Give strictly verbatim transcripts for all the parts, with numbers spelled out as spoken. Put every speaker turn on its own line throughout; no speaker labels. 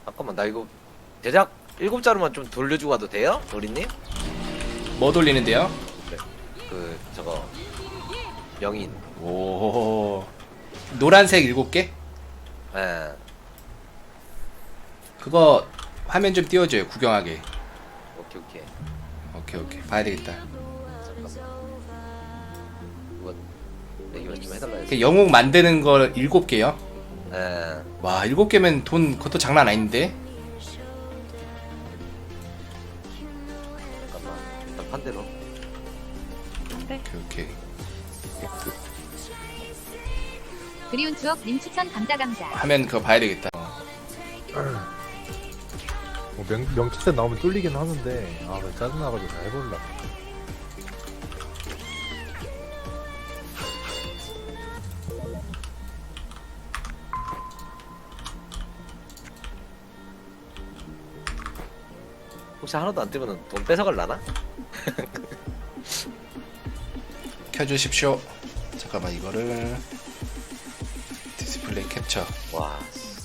잠깐만 나 이거 제작 일곱 자루만 좀 돌려주고 가도 돼요? 도리님?
뭐 돌리는데요?
그 저거 명인.
오 노란색 일곱 개?
예.
그거 화면 좀 띄워줘요 구경하게.
오케이 오케이.
오케이 오케이 봐야 되겠다.
잠깐만. 이거 얘기만 좀 해달라 했어.
그 영웅 만드는 거 일곱 개요?
예.
와 일곱 개면 돈 그것도 장난 아닌데?
잠깐만. 일단 판대로.
네.
오케이 오케이.
그리운 추억 님 추천 감자 감자.
화면 그거 봐야 되겠다.
뭐 명, 명치set 나오면 뚫리긴 하는데 아 그래 짜증나가지고 다 해볼라.
혹시 하나도 안 뜨면 돈 뺏어갈라나?
켜주십시오. 잠깐만 이거를 디스플레이 캡처.
와.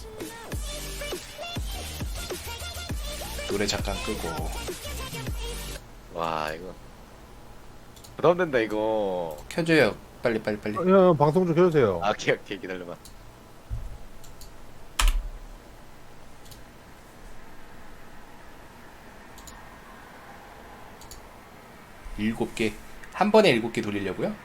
노래 잠깐 끄고.
와 이거 부담된다 이거.
켜줘요. 빨리 빨리 빨리.
어, 야, 방송 좀 켜주세요.
아 오케이 오케이 기다려봐.
일곱 개. 한 번에 일곱 개 돌리려고요?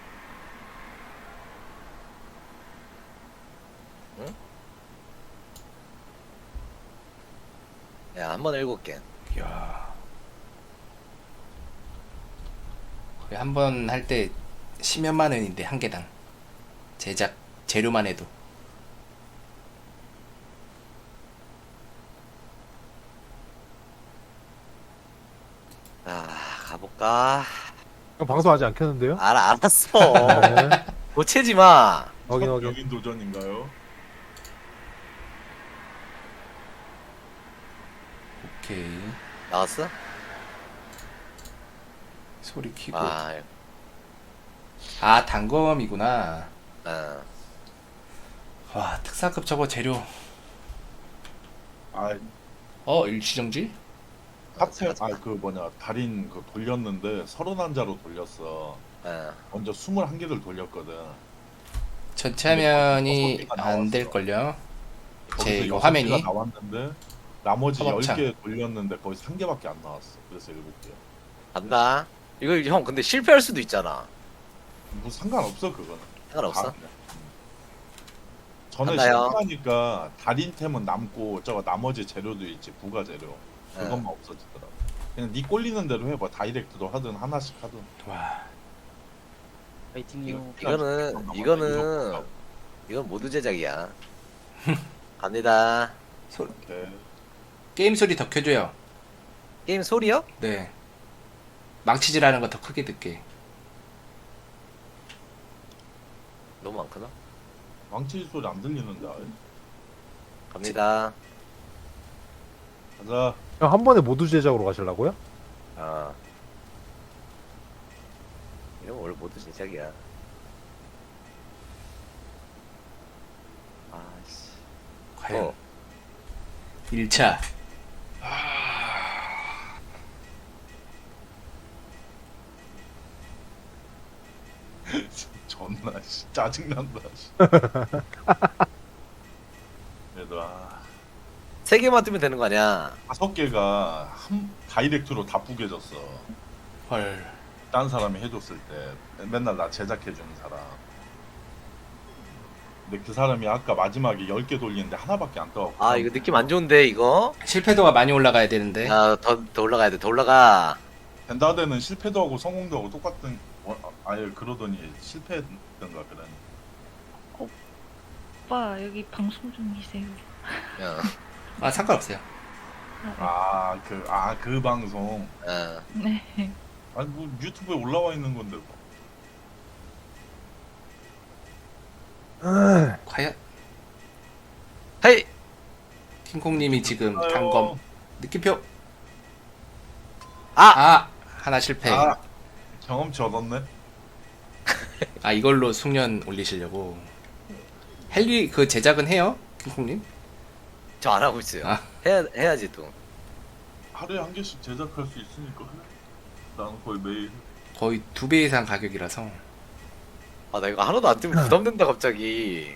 야 한 번에 일곱 개.
이야. 거의 한 번 할 때 십몇만 원인데 한 개당. 제작 재료만 해도.
아 가볼까?
형 방송 아직 안 켰는데요?
알아 알았어.
네.
고치지 마.
확인 확인.
여긴 도전인가요?
오케이.
나왔어?
소리 키고.
아,
아 단검이구나.
어.
와 특사급 저거 재료.
아,
어 일시정지?
카텔, 아, 그 뭐냐, 달인 그 돌렸는데 서른한 자로 돌렸어.
어.
먼저 스물한 개를 돌렸거든.
전체 화면이
여섯 개가
안
나왔어.
될걸요? 제
거기서
이거
여섯
화면이?
개가 나왔는데 나머지
허벅창.
열 개 돌렸는데 거기서 한 개밖에 안 나왔어. 그래서 일곱 개.
간다. 이거 형 근데 실패할 수도 있잖아.
뭐 상관없어 그거는.
상관없어?
다- 전에
간다요.
실패하니까 달인템은 남고 저거 나머지 재료도 있지 부가 재료
네.
그것만 없어지더라고. 그냥 네 꼴리는 대로 해봐. 다이렉트도 하든 하나씩 하든.
와
이거, 이거는 이거는 이건 모두 제작이야. 갑니다.
소,
오케이.
게임 소리 더 켜줘요.
게임 소리요?
네. 망치질하는 거 더 크게 듣게.
너무 많구나.
망치 소리 안 들리는데. 아예.
갑니다.
가자.
형 한 번에 모두 제작으로 가시려고요?
아. 이건 원래 모두 제작이야. 아씨.
과연
어.
일 차.
존나 씨, 짜증난다. 씨. 그래도 아,
세 개만 뜨면 되는 거 아니야?
다섯 개가 한 다이렉트로 다 뿌개졌어.
헐.
딴 사람이 해줬을 때 맨날 나 제작해주는 사람. 근데 그 사람이 아까 마지막에 열 개 돌리는데 하나밖에 안 떠.
아 이거 느낌 안 좋은데 이거?
실패도가 많이 올라가야 되는데.
야더 더 올라가야 돼. 더 올라가.
덴다데는 실패도 하고 성공도 하고 똑같은. 어, 아예 그러더니 실패했던가 그러니.
오빠 여기 방송 중이세요.
야.
아 상관없어요.
아 그 아 그 방송.
어.
네.
아니 뭐 유튜브에 올라와 있는 건데 뭐.
과연
헤이.
킹콩님이 지금
아유.
단검 느낌표.
아.
아 하나 실패.
아 경험치 얻었네.
아 이걸로 숙련 올리시려고. 헬리 그 제작은 해요? 킹콩님?
저 안 하고 있어요.
아.
해야 해야지 또.
하루에 한 개씩 제작할 수 있으니까 해. 나는 거의 매일.
거의 두 배 이상 가격이라서.
아 나 이거 하나도 안 뜨면 부담된다 갑자기.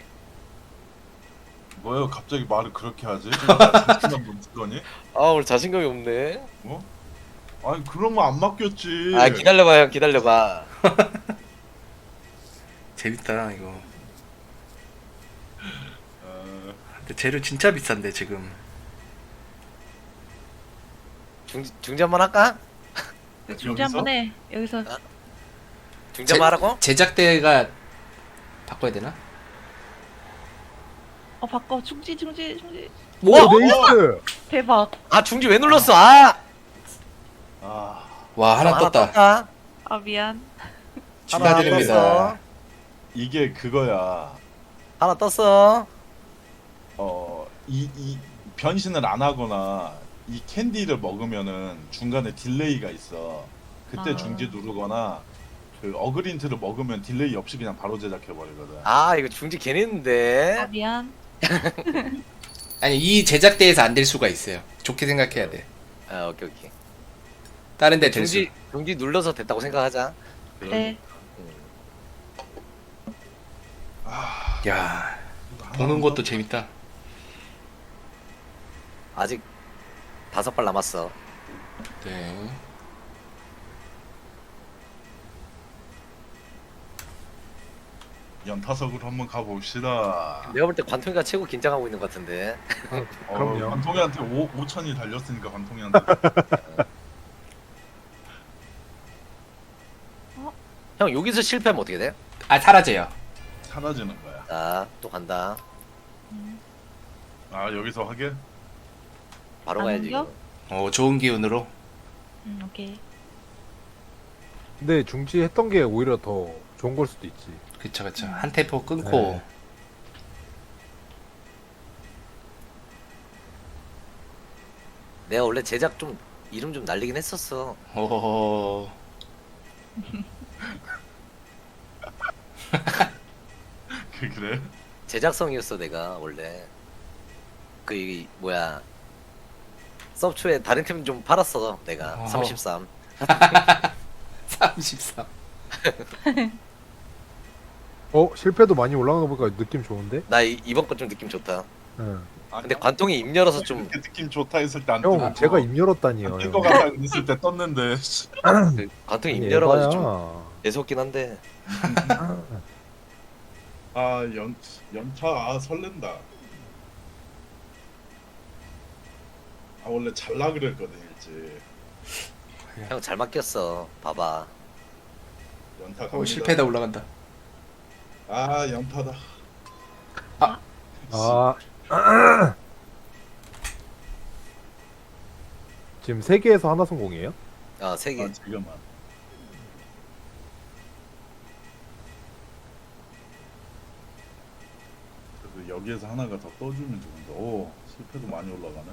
뭐예요? 갑자기 말을 그렇게 하지? 자신감 넘치더니?
아 오늘 자신감이 없네.
어? 아니 그러면 안 맡겼지.
아 기다려봐 형 기다려봐.
재밌다 이거.
어,
근데 재료 진짜 비싼데 지금.
중 중지 한번 할까?
중지 한번 해. 여기서
중지 한번 하라고?
제작대가 바꿔야 되나?
어 바꿔 중지 중지 중지.
오
어?
네이스.
대박.
아 중지 왜 눌렀어? 아
아,
와 하나 떴다.
떴다.
아 미안.
축하드립니다.
떴어.
이게 그거야.
하나 떴어.
어, 이, 이 변신을 안 하거나 이 캔디를 먹으면은 중간에 딜레이가 있어. 그때
아.
중지 누르거나 그 어그린트를 먹으면 딜레이 없이 그냥 바로 제작해 버리거든.
아 이거 중지 괜히 했는데.
아 미안.
아니 이 제작대에서 안 될 수가 있어요. 좋게 생각해야 돼.
아 오케이 오케이.
다른 데 될 수.
중지 중지 눌러서 됐다고 생각하자.
네.
야 보는 것도 재밌다.
아직 다섯 발 남았어.
네.
연타석으로 한번 가봅시다.
내가 볼 때 관통이가 최고 긴장하고 있는 것 같은데.
어,
그럼요.
관통이한테 오, 오천이 달렸으니까 관통이한테.
형 여기서 실패하면 어떻게 돼?
아 사라져요.
사라지는 거야.
자 또 간다.
아 여기서 하게?
바로
안
가야지.
옮겨?
이거.
어 좋은 기운으로.
음 오케이.
근데 중지했던 게 오히려 더 좋은 걸 수도 있지.
그쵸 그쵸. 한 템포 끊고.
네.
내가 원래 제작 좀 이름 좀 날리긴 했었어.
오.
그 그래?
제작성이었어 내가 원래. 그 이 뭐야 서브초에 다른 팀 좀 팔았어 내가.
어허.
삼십삼.
삼십삼.
어 실패도 많이 올라가는 거 보니까 느낌 좋은데?
나 이, 이번 거 좀 느낌 좋다.
응.
근데 관통이 입 열어서 좀
이렇게 느낌 좋다 했을 때 안
형
뜨고
제가 입 열었다니요.
안뜰거
형.
같다 했을 때 떴는데.
그 관통이 입
아니,
열어가지고 좀
에바야.
애석긴 한데.
아연 연차 아 설렌다. 아 원래 잘라 그랬거든 일찍.
형 잘 맡겼어. 봐봐.
연타 갑니다.
오 실패다 올라간다.
아 연타다.
아 지금 세 개에서 하나 성공이에요?
아 세 개.
아 지금만. 그래도 여기에서 하나가 더 떠주면 좋은데. 오 실패도 많이 올라가네.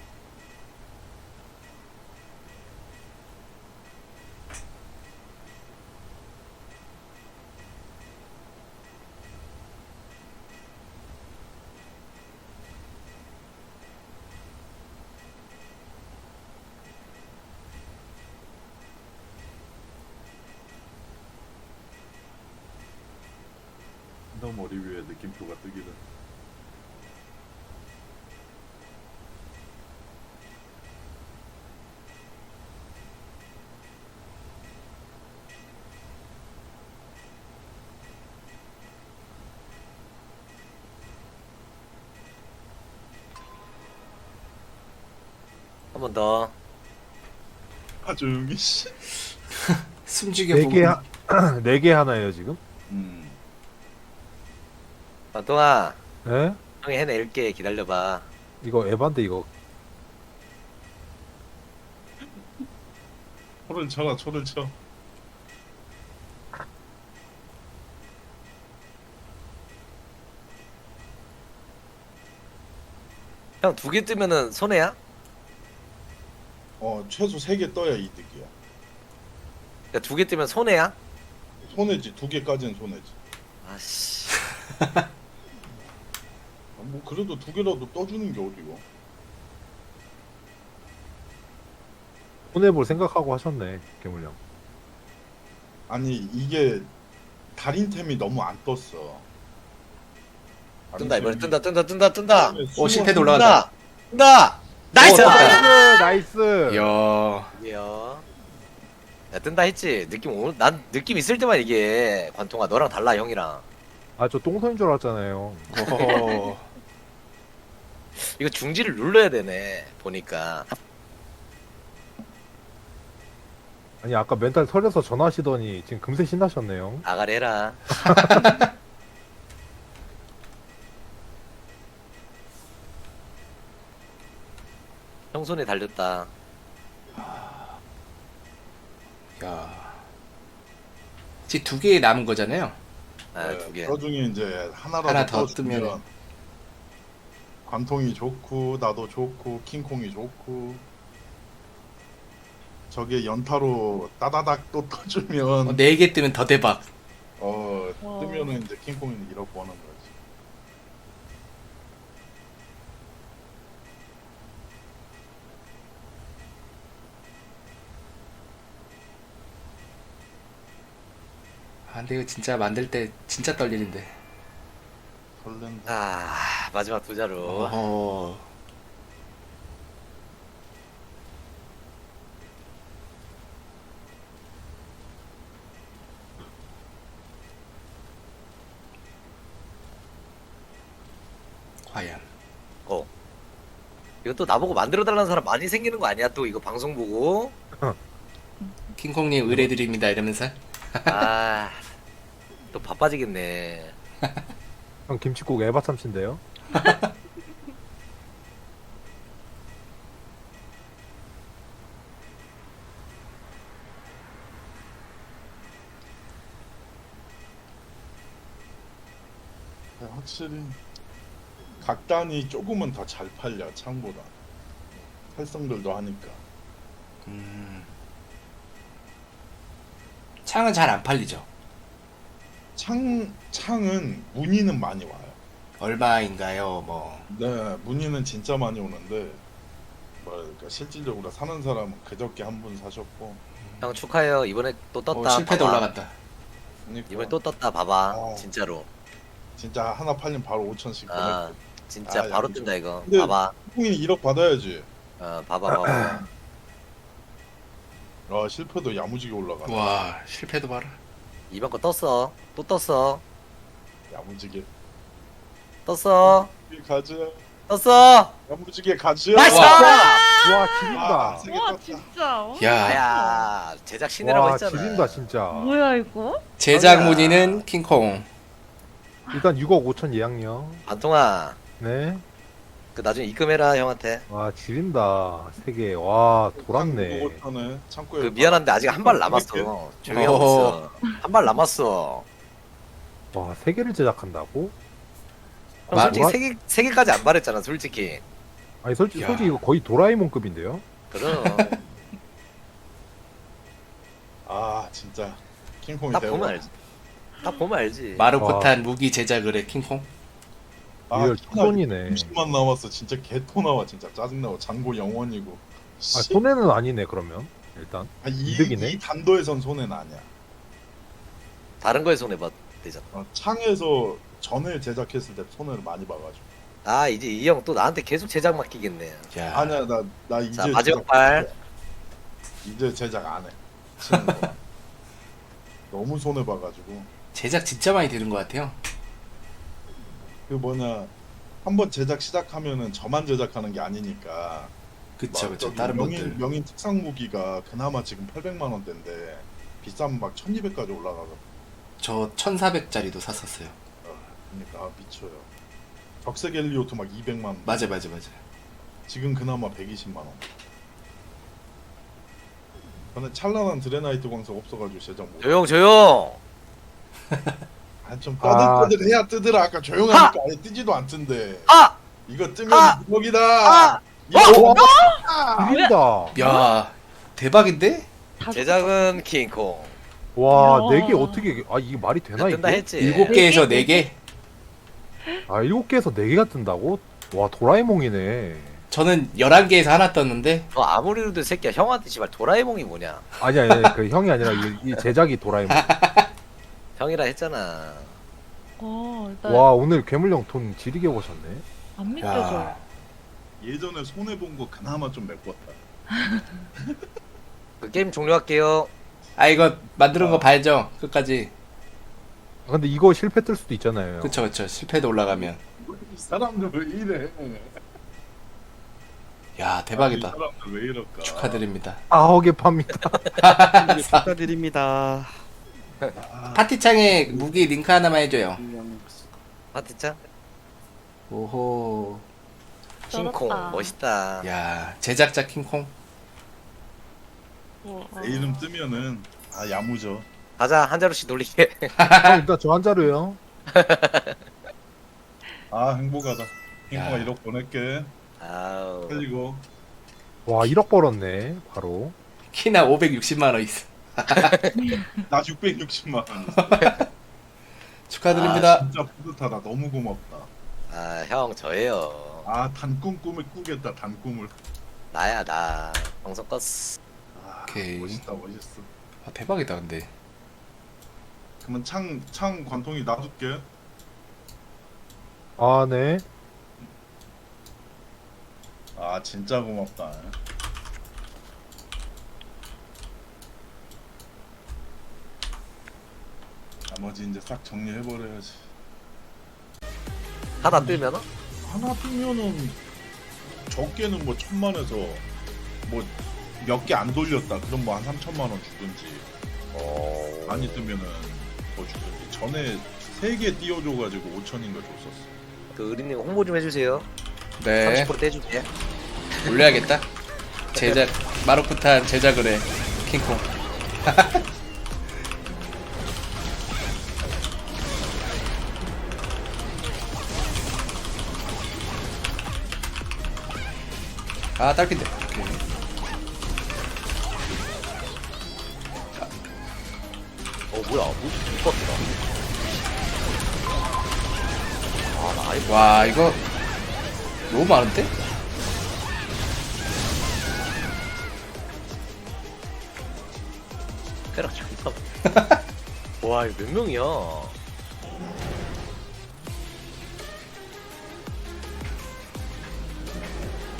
너 머리 위에 느낌표가 뜨기는.
한 번 더.
아 조용히 씨.
숨죽여
네
보고.
개 네 개 하나예요 지금?
음.
관통아
예?
형이 해낼게. 기다려봐.
이거 에반데 이거.
초를 쳐라 초를 쳐.
형 두 개 뜨면은 손해야?
어 최소 세 개 떠야 이득이야.
그러니까 두 개 뜨면 손해야?
손해지 두 개까지는 손해지.
아씨.
아니 뭐 그래도 두 개라도 떠주는 게 어디고.
손해볼 생각하고 하셨네 괴물령.
아니 이게 달인템이 너무 안 떴어.
뜬다 이번에 뜬다 뜬다 뜬다 뜬다.
오, 실패도 올라간다.
뜬다. 뜬다. 나이스.
오, 떴다.
나이스 나이스.
이야.
이야. 야 뜬다 했지. 느낌 오늘 난 느낌 있을 때만 이게 관통아 너랑 달라 형이랑.
아 저 똥손인 줄 알았잖아요.
오호.
이거 중지를 눌러야 되네 보니까.
아니 아까 멘탈 털려서 전화하시더니 지금 금세 신나셨네요.
아가리 해라. 형 손에 달렸다.
야. 이제 두 개 남은 거잖아요.
아, 두 개.
그 중에 이제 하나라도
하나 더
떠주면
뜨면은.
관통이 좋고 나도 좋고 킹콩이 좋고 저게 연타로 따다닥 또 떠주면
네 개 뜨면 더 대박.
어
와.
뜨면은 이제 킹콩이 이렇게 하는 거지.
아, 근데 이거 진짜 만들 때 진짜 떨리는데.
설렌다.
아 마지막 두 자루.
어허. 과연.
어. 이거 또 나보고 만들어 달라는 사람 많이 생기는 거 아니야? 또 이거 방송 보고.
킹콩님 의뢰드립니다 이러면서.
아. 또 바빠지겠네.
형 김치국 에바 참치인데요.
확실히 각단이 조금은 더 잘 팔려 창보다. 활성들도 하니까.
음. 창은 잘 안 팔리죠.
창 창은 문의는 많이 와요.
얼마인가요? 뭐.
네, 문의는 진짜 많이 오는데 뭐랄까 실질적으로 사는 사람은 그저께 한 분 사셨고
형 축하해요. 이번에 또 떴다.
어, 실패도
봐봐.
올라갔다.
그러니까
이번에 또 떴다. 봐봐.
어.
진짜로.
진짜 하나 팔리면 바로 오천씩
아,
보냈고.
진짜
아,
바로
야,
뜬다 이거.
근데-
봐봐.
킹콩이 일억 받아야지.
어, 봐봐 봐봐.
아 실패도 야무지게 올라가.
와, 실패도 봐라.
이번 거 떴어. 또 떴어.
야무지게
떴어.
가자.
떴어.
야무지게 가자.
나이스!
와
아,
지린다.
세게
와
떴다.
진짜. 어?
야,
아야 제작 신이라고
와
했잖아.
지린다 진짜.
뭐야 이거?
제작 문의는 킹콩.
일단 육억 오천 예약요.
반통아.
네.
그 나중에 입금해라 형한테.
와 지린다. 세 개. 와 돌았네.
오천에 창고에
그 미안한데 아직 한 발 남았어. 조용히 하고 있어. 한 발 남았어.
와 세 개를 제작한다고?
형
마-
솔직히
마-
세 개, 세 개까지 안 바랬잖아 솔직히.
아니 솔직히
야.
솔직히 이거 거의 도라에몽급인데요.
그럼
아 진짜 킹콩이
딱
대박.
보면 알지. 딱 보면 알지.
마루코탄 무기 제작을 해 킹콩.
아,
리얼 투손이네.
삼십만 남았어. 진짜 개토 나와. 진짜 짜증나고 잔고 영원이고.
아
씨.
손해는 아니네 그러면 일단.
아, 이,
이득이네.
이 단도에선 손해는 아니야.
다른 거에 손해 봐 되잖아.
어, 창에서 전을 제작했을 때 손해를 많이 봐가지고.
아 이제 이 형 또 나한테 계속 제작 맡기겠네.
야,
아니야 나 나 이제
자 마지막
제작
발.
안 해. 이제 제작 안 해. 치는 거. 너무 손해 봐가지고.
제작 진짜 많이 되는 것 같아요.
그 뭐냐 한번 제작 시작하면은 저만 제작하는 게 아니니까.
그쵸,
막
그쵸.
저기
다른
명인
분들.
명인 특상 무기가 그나마 지금 팔백만 원대인데 비싸면 막 천이백까지 올라가고.
저 천사백짜리도 샀었어요.
어, 그러니까 아, 미쳐요. 적색 엘리오트 막 이백만 원.
맞아, 맞아, 맞아.
지금 그나마 백이십만 원. 저는 찬란한 드레나이트 광석 없어가지고 제작 못.
조용 조용.
아좀
아.
떠들떠들해야 뜨더라. 아까 조용하니까 아예 뜨지도 않던데.
아!
이거 뜨면
아!
무적이다.
아!
이거
와 지린다.
야, 대박인데?
다섯
제작은 킹콩.
와
야.
네 개 어떻게 아 이게 말이 되나
뜬다
이게?
했지.
일곱 개에서 네 개?
아 일곱 개에서 네 개가 뜬다고? 와 도라에몽이네.
저는 열한 개에서 하나 떴는데
너 아무리 그래도 이 새끼야 형한테 씨발 도라에몽이 뭐냐?
아니 아니 아니, 그 형이 아니라 이, 이 제작이 도라에몽.
형이라 했잖아.
어, 일단
와 오늘 괴물형 돈 지리게 보셨네.
안 믿겨져.
야,
예전에 손해 본 거 그나마 좀 메꿨다.
그 게임 종료할게요.
아 이거 만드는 거 봐야죠 끝까지.
아, 근데 이거 실패 뜰 수도 있잖아요.
그쵸 그쵸 실패도 올라가면.
이 사람들 왜 이래?
야
이
대박이다.
사람들 왜 이럴까?
축하드립니다.
아홉 개 팝니다.
축하드립니다.
파티창에 무기 링크 하나만 해줘요.
파티짱?
오호.
킹콩
쩔었다.
멋있다.
야 제작자 킹콩.
어, 어.
내 이름 뜨면은 아 야무져.
가자 한 자루씩 돌리게.
형 일단 저 한 자루요.
아 행복하다. 행복아
야.
일억 보낼게.
아우.
살리고.
와 일억 벌었네 바로.
키나 오백육십만 원 있어.
나 육백육십만 원.
축하드립니다.
아, 진짜 뿌듯하다. 너무 고맙다.
아 형 저예요.
아 단꿈 꿈을 꾸겠다. 단꿈을.
나야 나. 방송 껐어.
아,
오케이.
멋있다 멋있어.
아, 대박이다 근데.
그러면 창, 창 관통이 놔둘게.
아 네.
아 진짜 고맙다. 나머지 이제 싹 정리해버려야지.
하나 뜨면은?
하나 뜨면은 적게는 뭐 천만에서 뭐 몇 개 안 돌렸다. 그럼 뭐 한 삼천만 원 주든지.
어.
많이 뜨면은 더 주든지. 전에 세 개 띄워줘가지고 오천인가 줬었어.
그 의리님 홍보 좀 해주세요.
네
삼십 퍼센트 떼줄게.
올려야겠다. 제작 마루쿠탄 제작을 해 킹콩. 아 딸핀데. 오케이.
어 뭐야? 뭐 이뻤더라. 아나 아이
와 이거 너무 많은데?
페락 존나. 와 이거 몇 명이야?